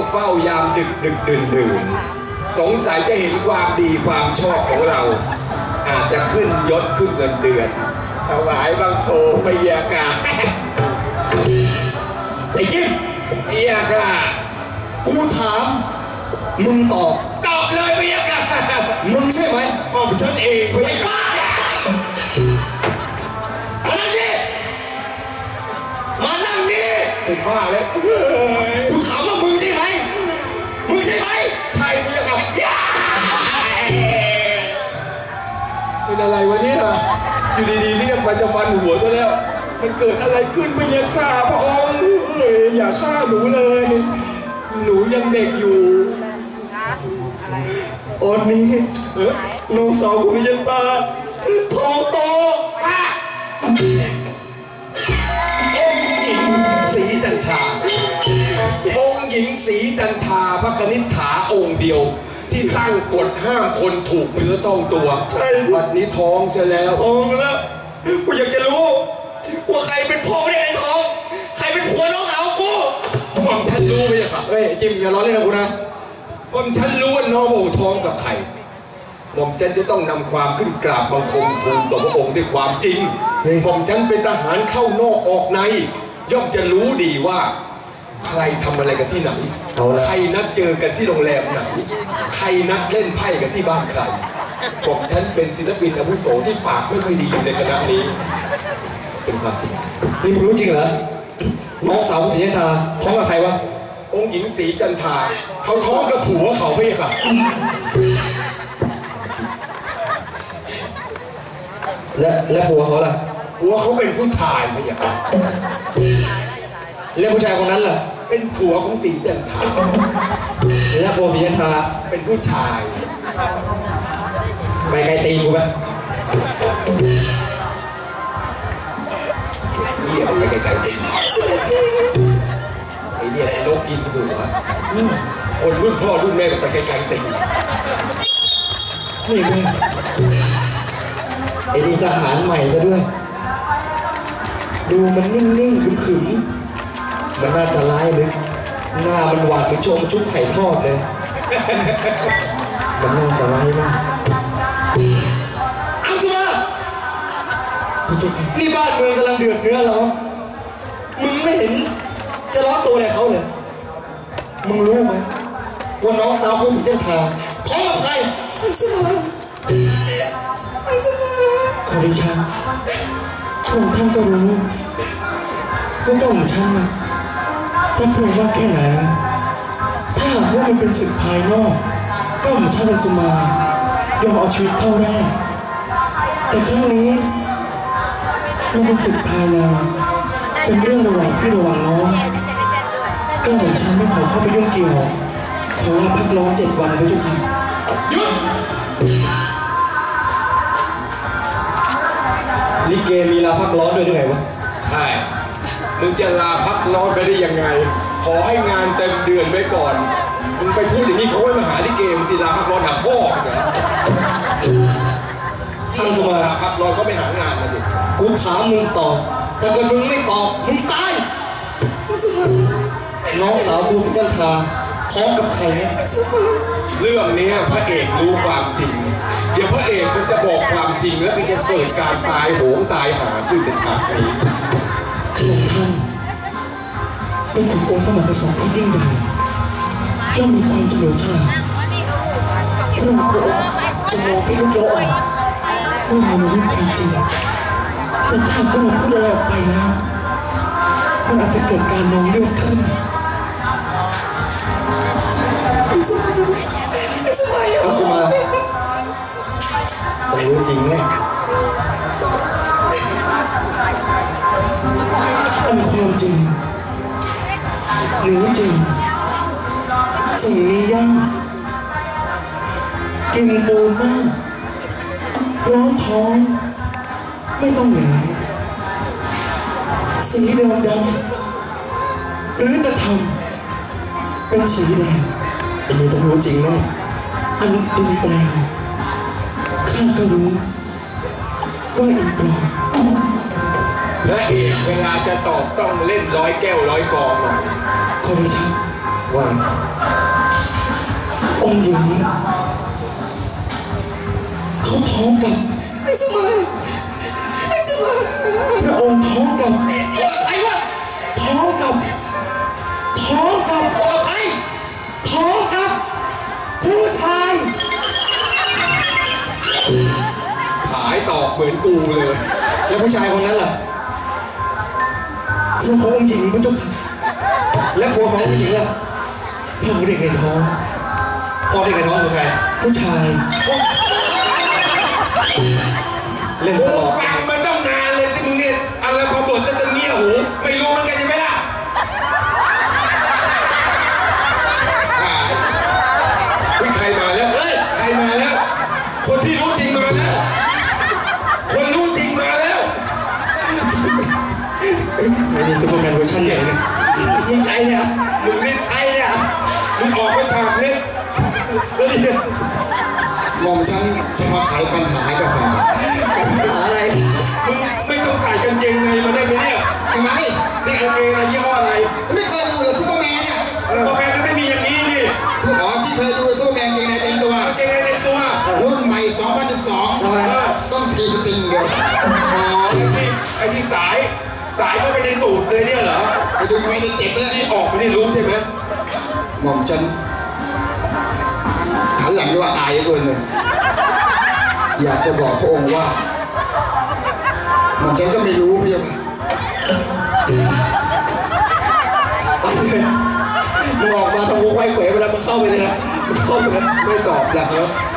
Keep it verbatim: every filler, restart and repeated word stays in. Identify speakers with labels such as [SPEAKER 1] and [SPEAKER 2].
[SPEAKER 1] เฝ้ายามดึกดึกดื่นดื่นสงสัยจะเห็นความดีความชอบของเราอาจจะขึ้นยศขึ้นเงินเดือนถวายบังคมพยากาไอ้จิ๊บพยากา
[SPEAKER 2] กูถามมึงตอบ
[SPEAKER 1] ตอบเลยพยากา
[SPEAKER 2] มึงใช่ไหม
[SPEAKER 1] ผมฉันเองพยากา
[SPEAKER 2] มานั่งดิมานั่งดิ
[SPEAKER 1] ผมว่าแล้ว
[SPEAKER 2] กูถามว่ามึงใช่ไหมมึงใช่ไหม
[SPEAKER 1] ใช่พยากาเป็นอะไรวะเนี่ยอยู่ดีๆเรียกมาจะฟันหัวซะแล้วมันเกิดอะไรขึ้นพยากาพระองค์อย่าฆ่าหนูเลยหนูยังเด็กอยู่
[SPEAKER 2] อดนี้น้องสาวคุณยังตาท้องโต
[SPEAKER 1] องค์หญิงศรีจันทราองค์หญิงศรีจันทราพระคณิษฐาองค์เดียวที่ตั้งกฎห้ามคนถูกเนื้อต้องตัว
[SPEAKER 2] ใช่
[SPEAKER 1] วันนี้ท้องเสียแล้ว
[SPEAKER 2] ท้องแล้วกูอยากจะรู้ว่าใครเป็นพ่อได้ไงท้องใครเป็นผัวน้องสาวกู
[SPEAKER 1] ผมฉันรู้ไหมครับ
[SPEAKER 2] เฮ้ยจิมอย่าล้อเล่นนะกูนะ
[SPEAKER 1] ผมฉันรู้ว่าน้องโอ่ท้องกับใครผมฉันจะต้องนำความขึ้นกราบบังคมทูลต่อพระองค์ด้วยความจริงผมฉันเป็นทหารเข้านอกออกในย่อมจะรู้ดีว่าใครทำอะไรกันที่ไหนใครนัดเจอกันที่โรงแรมไหนใครนัดเล่นไพ่กันที่บ้านใครผมฉันเป็นศิลปินอาวุโสที่ปากไม่ค่อยดีอยู่ในคณะนี้เป็นความจริง
[SPEAKER 2] นี่มึงรู้จริงเหรอน้องสาวศรีจันทราท้องกับใครวะ
[SPEAKER 1] องค์หญิงศรีจันทราเขาท้องกับผัวเขาไม่ใช่ปะ
[SPEAKER 2] และและผัวเขาล่ะ
[SPEAKER 1] ผัวเขาเป็นผู้ชายไม่ใช่ปะ
[SPEAKER 2] และผู้ชายคนนั้นล่ะ
[SPEAKER 1] เป็นผัวของศรีจันทรา
[SPEAKER 2] และผัวศรีจันทรา
[SPEAKER 1] เป็นผู้ชาย
[SPEAKER 2] ไปไกลตีกูไหม
[SPEAKER 1] เหี้ยไปไกลๆตีไอ้เนี่ยนกกินหัวคนรุ่นพ่อรุ่นแม่ก็ไปไกลๆตี
[SPEAKER 2] นี่มึงไอ้ดีทหารใหม่ซะด้วยดูมันนิ่งๆขึมๆมันน่าจะร้ายเลยหน้ามันหวานเหมือนโชมชุบไข่ทอดเลยมันน่าจะร้ายมากเอาสิมานี่บ้านเมืองกำลังเดือดเนื้อร้อนมึงไม่เห็นจะร้อนตัวอะไรเขาเลยมึงรู้ไหมว่าน้องสาวกูศรีจันทราท้องกับใครไอ้สมาไอ้สมาขอดิฉันทุกท่านก็รู้ว่าต้องของฉันนะถ้าพูดว่าแค่ไหนถ้าหากว่ามันเป็นศึกภายนอกก็ของฉันเป็นสมายอมเอาชีวิตเข้าได้แต่ครั้งนี้มันเป็นศึกภายในเป็นเรื่องระหว่างพี่ระหว่างน้องก็ของฉันไม่ขอเข้าไปยุ่งเกี่ยวขอลาพักร้อนเจ็ดวันไปทุกครั้งหยุดลิเกมีลาพักร้อนด้วยได้ไงวะ
[SPEAKER 1] ใช่มึงจะลาพักร้อนไปได้ยังไงขอให้งานเต็มเดือนไว้ก่อนมึงไปพูดอย่างนี้เขาไม่มาหาลิเกมึงจะลาพักร้อนหาพ่อเหรอ
[SPEAKER 2] ท่านกูมา
[SPEAKER 1] พักร้อนก็ไม่หางานมาดิ
[SPEAKER 2] กูถามมึงตอบถ้าเกิดมึงไม่ตอบมึงตายน้องสาวกูศรีจันทราท้องกับใคร
[SPEAKER 1] เรื่องนี้พระเอกรู้ความจริงเดี๋ยวพระเอกมันจะบอกความจริงแล้วก็จะเกิดการตายโหงตายหาขึ้นในฉากนี้
[SPEAKER 2] พระองค์ท่านเป็นถึงองค์พระมหากษัตริย์ที่ยิ่งใหญ่ย่อมมีความเฉลียวฉลาดพระองค์จะมองที่ลุกโลกว่าเรารู้ความจริงแต่ถ้าพระองค์พูดอะไรออกไปแล้วมันอาจจะเกิดการนองเลือดขึ้นอิสมาอิสมาอิสมาต้องรู้จริงแน่อันความจริงหรือจริงสิ่งนี้ย่างกินปูนมากร้อนท้องไม่ต้องเหนื่อยสีแดงดำหรือจะทำเป็นสีแดงอันนี้ต้องรู้จริงแน่อันอินแปลงข้าก็รู้ว่าอินปลอม
[SPEAKER 1] และเอกเวลาจะตอบต้องเล่นร้อยแก้วร้อยกองหน่อย
[SPEAKER 2] ขอดิฉัน
[SPEAKER 1] ว่า
[SPEAKER 2] องค์หญิงเขาท้องกับ
[SPEAKER 3] ไอ้สมัยไอ้สมัย
[SPEAKER 2] พระองค์ท้องกับ
[SPEAKER 3] ไอ้วะ
[SPEAKER 2] ท้องกับท้องกับ
[SPEAKER 3] เอาใคร
[SPEAKER 2] ท้องกับผู้ชาย
[SPEAKER 1] หายตอกเหมือนกูเลย
[SPEAKER 2] แล้วผู้ชายคนนั้นล่ะผัวขององค์หญิงพระเจ้าค่ะและผัวขององค์หญิงล่ะพ่อเด็กในท้องพ่อเด็กในท้องคือใครผู้ชายเล่นต
[SPEAKER 1] กู
[SPEAKER 2] ลอด
[SPEAKER 1] ฟังมาตั้งนานเลยที่มึงเนี่ยอะไรพอบทตั้งแต่เงี้ยหูไม่รู้แล้วกันใช่ไหมล่ะเฮ้ยใครมาแล้วเฮ้ยใครมาแล้วคนที่รู้จริงมาแล้วคนรู้จริงมาแล้ว
[SPEAKER 2] ไม่มีซูเปอร์แมนเวอร์ชันใหญ่เนี่ยมึงใครเนี่ย
[SPEAKER 1] มึงนี่
[SPEAKER 2] ใครเนี่ย
[SPEAKER 1] มึงออกมาฉากนี้แล้วนี่
[SPEAKER 4] มองฉันจะมาไขปัญหาให้กับแฟน
[SPEAKER 2] หาอะไร
[SPEAKER 1] มึงไม่ต้องใส่กางเกงในมาได้ไหมเนี่ย
[SPEAKER 4] ทำไม
[SPEAKER 1] นี่กางเกงในยี่ห้ออะไร
[SPEAKER 4] ไม่เคยดูเลยซูเปอร์แมนเนี่ย
[SPEAKER 1] กาแฟมันไม่มีอย่างนี้นี่
[SPEAKER 4] อ๋อที่เคยดูซูเปอร์แมนเกงในเต็มตัว
[SPEAKER 1] กางเกงในเต็มตัว
[SPEAKER 4] รุ่นใหม่สองพันสิบสอง
[SPEAKER 2] ทำไม
[SPEAKER 4] ต้องพีสติงเดียว
[SPEAKER 1] อ๋อไอ้ที่ไอ้ที่สายสายเข้าไปในตูดเลยเนี่ยเหรอ
[SPEAKER 4] ไปดูไม่ได้เจ็บเลย
[SPEAKER 1] ที่ออกไม่ได้รู้ใช่ไหม
[SPEAKER 4] หม่อมฉันหันหลังด้วยว่าอายเกินเลยอยากจะบอกพระองค์ว่าหม่อมฉันก็ไม่รู้พี่ค่ะ
[SPEAKER 2] มึงออกมาทำกูควายเขวเวลามึงเข้าไปเลยนะมึงเข้าไปนะ
[SPEAKER 1] ไม่ตอบแล้ว